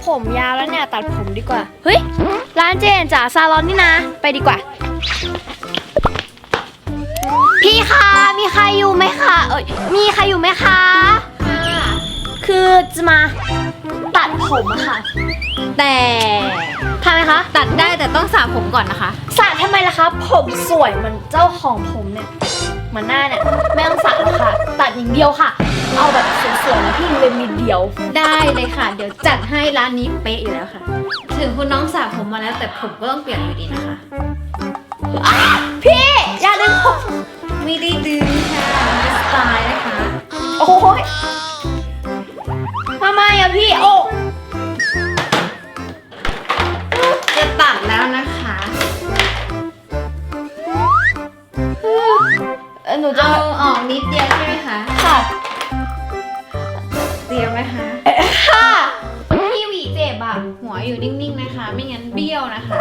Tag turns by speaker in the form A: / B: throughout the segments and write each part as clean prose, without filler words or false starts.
A: ผมยาวแล้วเนี่ยตัดผมดีกว่าเฮ้ยร้านเจนจ๋าซาลอนนี่นะไปดีกว่าพี่คะมีใครอยู่ไหมคะมีใครอยู่ไหมคะคือจะมาตัดผมอะค่ะ
B: แต่
A: ทำไมคะ
B: ตัดได้แต่ต้องสระผมก่อนนะคะ
A: สระทำไมล่ะคะผมสวยเหมือนเจ้าของผมเนี่ยเหมือนหน้าเนี่ยไม่ต้องสระหรอกค่ะตัดอย่างเดียวค่ะเอาแบบสวยๆนะพี่เลยมีเดียว
B: ได้เลยค่ะเดี๋ยวจัดให้ร้านนี้เป๊ะอยู่แล้วค่ะถึงคุณน้องสระผมมาแล้วแต่ผมก็ต้องเปลี่ยนอยู่ดีนะคะ
A: พี่อย่าดึงผม
B: ไม่ได้ดึงค่ะเป็นสไตล์นะคะ
A: โอ้ยทำไมอะพี่โอ้
B: จะตัดแล้วนะคะ
A: หนูจะ
B: เอาออกนิดเดียวใช่ไหมคะ
A: ค่ะ
B: เตรียมไหมคะ
A: ค่ะ
B: พี่หวีเจ็บอะหัวอยู่นิ่งๆนะคะไม่งั้นเบี้ยวนะคะ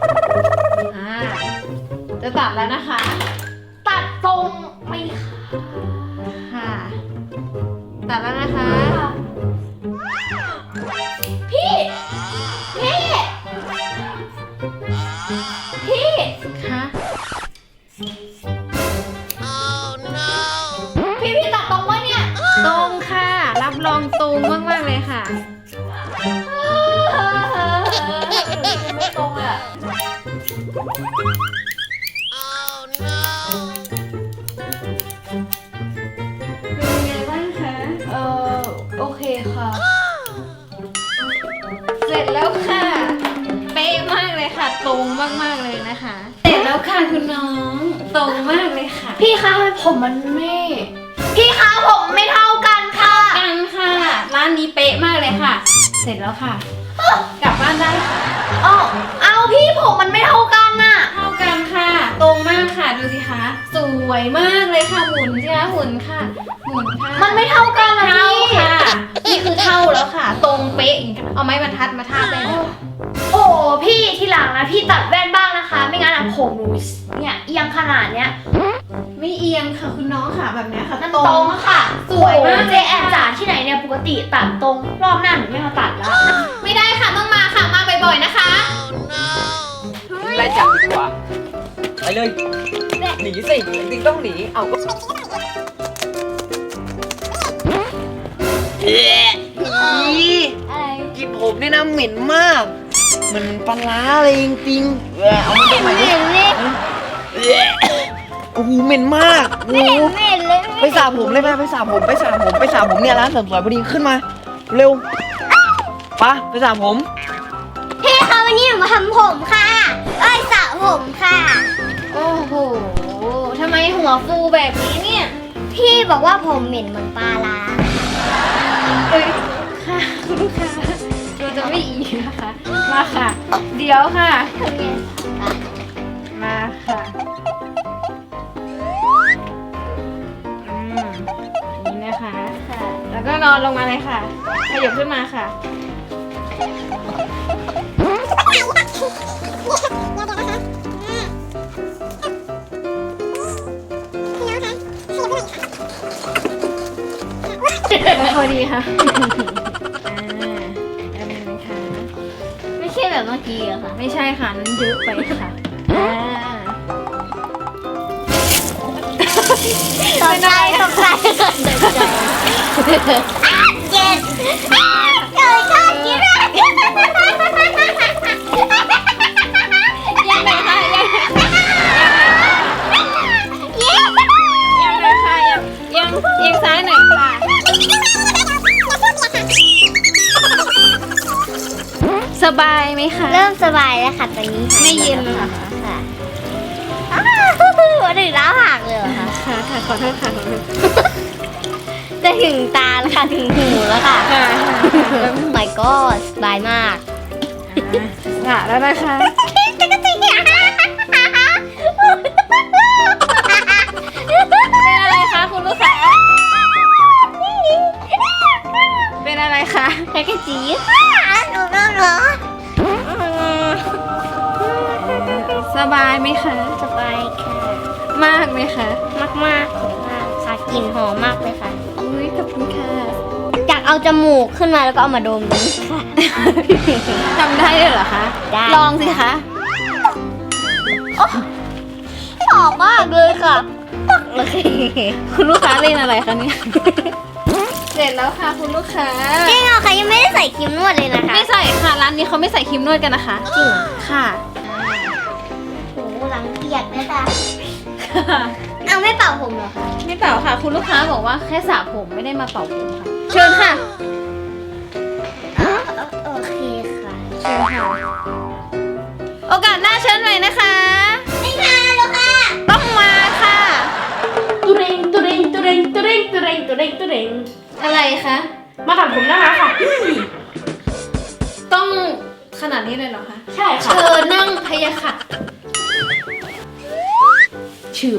B: จะตัดแล้วนะคะ
A: ตัดตรงไม่
B: ค่ะตัดแล้วนะคะ
A: พี่
B: คะ
A: พี่ตัดตรงวะเนี่ย
B: ตรงค่ะรับรองตรงมากๆเลยค่ะ
A: ไม่ตรงอ่ะ
B: เป็นไงบ้างคะ
A: โอเคค่ะ
B: เสร็จแล้วค่ะเป๊ะมากเลยค่ะตรงมากๆเลยนะคะเสร็จแล้วค่ะคุณน้องตรงมากเลยค่ะ
A: พี่คะผมมันไม่พี่คะผมไม่เท่ากันค่ะ
B: กันค่ะร้านนี้เป๊ะมากเลยค่ะเสร็จแล้วค่ะกลับบ้านได้ค่ะ
A: เอาพี่ผมมันไม่เท่ากันน่ะ
B: เท่ากันค่ะตรงมากค่ะดูสิคะสวยมากเลยค่ะหมุนสิคะหมุนค่ะหมุนค่ะ
A: มันไม่เท่ากันนะ
B: เท่า
A: พี่
B: ค่ะนี่คือเท่าแล้วค่ะตรงเป๊ะเอาไม้บรรทัดมาทาบได้เลย
A: โอ้พี่ทีหลังนะพี่ตัดแว่นบ้างนะคะไม่งั้นผมหนูเนี่ยเอียงขนาดเนี้ย
B: ไม่เอียงค่ะคุณน้องค่ะแบบนี้ค่ะ
A: ตรงค่ะ
B: สวยมาก
A: เจแอนจ๋าที่ไหนเนี่ยปกติตัดตรงรอบหน้าหนูไม่มาตัดแล้ว
B: ไม่ได้ค่ะต้องมาค่ะมาบ่อยๆนะคะ
C: ไล่จับดีกว่าไปเลยหนีสิจริงๆต้องหนีเอาก็กินผมนี่นะเหม็นมากมันปลาร้าเลยจริงๆเอามาทำไมเนี่ยโอ้โหเหม็นมากโอ้โหไปสระผมเลยไปสระผมเนี่ยร้านเสริมสวยพอดีขึ้นมาเร็วไปสระผม
A: พี่คะวันนี้หนูมาทำผมค่ะสระผมค่ะ
B: โอ้โหทำไมหัวฟูแบบนี้เนี่ย
A: พี่บอกว่าผมเหม็นเหมือนปลาร้า
B: ค่ะคุณลูกค้าเราจะไม่อีกนะคะมาค่ะเดี๋ยวค่ะมาค่ะนี่นะคะแล้วก็นอนลงมาเลยค่ะขยับขึ้นมาค่ะพอดีค่ะ
A: ไม่ใช่แบบเมื่อกี้อะค่ะ
B: ไม่ใช่ค่ะนั้นเยอะไปค่ะ
A: ตกใจเจ็ดเกิดข้ากิน
B: ยังไงคะยังเลยค่ะยังซ้ายหน่อยค่ะสบายไหมคะ
A: เริ่มสบายแล้วค่ะตอนนี้
B: ไม่เย็นเลยค่ะ
A: วันถึงล้าหักเลยเหรอคะ
B: ค่ะขอโทษค่ะ
A: จะถึงตาแล้วค่ะถึงหูแล้วค่ะmy god สบายมาก
B: แล้วนะคะเป็นอะไรคะคุณลูกค้าเป็นอะไรคะ
A: แค่จีหนู
B: สบายไหมคะ
A: สบายค่ะ
B: มากไหมคะ
A: มากค่ะกลิ่นหอมมากเลยค่ะ
B: อุ้ยขอบคุณค่ะ
A: อยากเอาจมูกขึ้นมาแล้วก็เอามาดมค่ะ
B: จำได้เลยเหรอคะ
A: ได้
B: ลองสิคะ
A: หอมมากเลยค่ะปักเลย
B: คุณลูกค้าเล่นอะไรคะเนี่ย เสร็จแล้วค่ะคุณลูกค้า
A: จริงเหรอคะยังไม่ได้ใส่ครีมนวดเลยนะคะ
B: ไม่ใส่ค่ะร้านนี้เขาไม่ใส่ครีมนวดกันนะคะ
A: จริง
B: ค่ะ
A: โหหลังเปียกนะจ๊ะเอาไม่เป่าผมเหรอคะ
B: ไม่เป่าค่ะ คุณลูกค้าบอกว่าแค่สระผมไม่ได้มาเป่าผมค่ะ เชิญค่ะ
A: โอเคค่ะ
B: เชิญค่ะ โอกาสหน้าเชิญใหม่นะคะ
A: ไม่มาแล้วค่ะ
B: ต้องมาค่ะ
D: ตุเรงตุเรงตุเรงตุเรงตุเรงตุเรงตุเรง
B: อะไรคะ
D: มาถามผมนะคะค่ะ
B: ต้องขนาดนี้เลยเหรอคะ
D: ใช่ค่ะ
B: เชิญนั่งพยาค่ะ
D: ชื่อ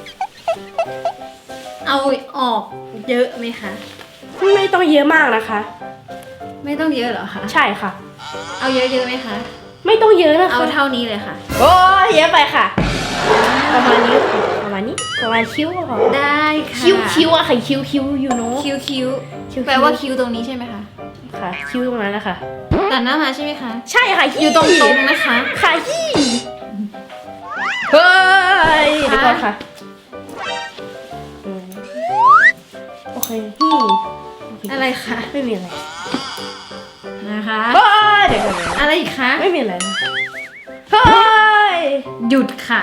B: เอาออกเยอะไหมคะ
D: ไม่ต้องเยอะมากนะคะ
B: ไม่ต้องเยอะเหรอคะ
D: ใช่ค่ะ
B: เอาเยอะๆไหมคะ
D: ไม่ต้องเยอะนะคะ
B: เอาเท่านี้เลยค่ะ
D: โอ้ยเยอะไปค่ะ ประมาณนี้ค่ะประมาณนี้ประมาณคิ้วก็พอ
B: ได้ค่ะ
D: คิ้วอะค่ะคิ้วยูโน่
B: คิ้ว
D: คิ้ว
B: แปลว่าคิ้วตรงนี้ใช่ไหมคะ
D: ค่ะคิ้วตรงนั้นนะคะ
B: ตัดหน้ามาใช่ไหมคะ
D: ใช่ค่ะ
B: อยู่ตรงๆนะคะ
D: ค่ะยี่เฮ้ยเดี๋ยวก่อนค่ะอืมโอเคโอเค
B: อะไรคะ
D: ไม่มีอะไร
B: นะคะ
D: เฮ้ยเดี๋ยวก่อนนะ
B: อะไรอีกคะ
D: ไม่มีอะไรนะเฮ้ย
B: หยุดค่ะ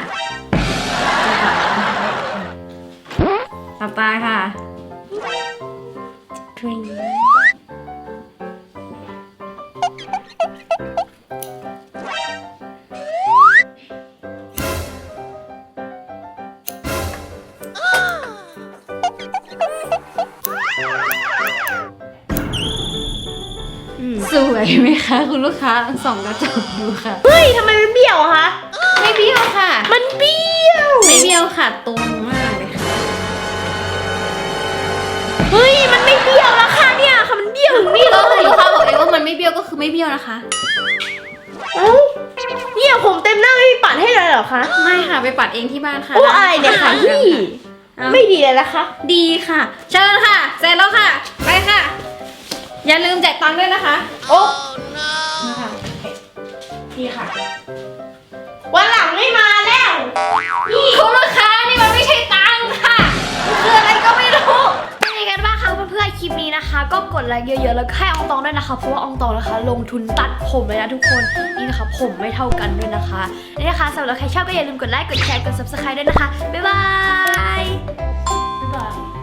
B: หลับตาค่ะ
D: ทริง
B: สวยไหมคะคุณลูกค้าส่องกระจกดูค่ะ
D: เฮ้ยทำไมมันเบี้ยวอะคะ
B: ไม่เบี้ยวค่ะ
D: มันเบี้ยว
B: ไม่เบี้ยวค่ะตรงมากเลยค่ะ
D: เฮ้ยมันไม่เบี้ยวแล้วค่ะเนี่ยค่ะมันเบี้ยวถึงนี่เล
B: ก็คุณ
D: ย
B: ลูกค้าบอกเองว่ามันไม่เบี้ยวก็คือไม่เบี้ยวนะคะ
D: เอ้าเนี่ยผมเต็มหน้าไม่มีปัดให้เลยเหรอคะ
B: ไม่ค่ะไปปัดเองที่บ้านค่ะ
D: โอ้อะไรเนี่ยค่ะพี่
B: เอา
D: ไม่ดีเลยนะคะ
B: ดีค่ะ เชิญค่ะ เสร็จแล้วค่ะ ไปค่ะ อย่าลืมจ่ายตังค์ด้วยนะคะ
D: โอ้
B: นะคะ
D: ดีค่ะ วันหลังไม่มาแล้ว
B: นี่คุณลูกค้านี่มันไม่ใช่ตังค์ค่ะมันคืออะไรก็ไม่รู้
A: เป็นยังไงกันบ้างคะเพื่อนๆคลิปนี้นะคะ ก็กดไลค์เยอะๆแล้วก็ให้อองตองด้วยนะคะเพราะว่าอองตองนะคะ ลงทุนตัดผมเลยนะทุกคนนี่นะคะผมไม่เท่ากันด้วยนะคะนี่นะคะสำหรับใครชอบก็อย่าลืมกดไลค์กดแชร์กด subscribe ด้วยนะคะบ๊ายบาย
D: บ๊ายบาย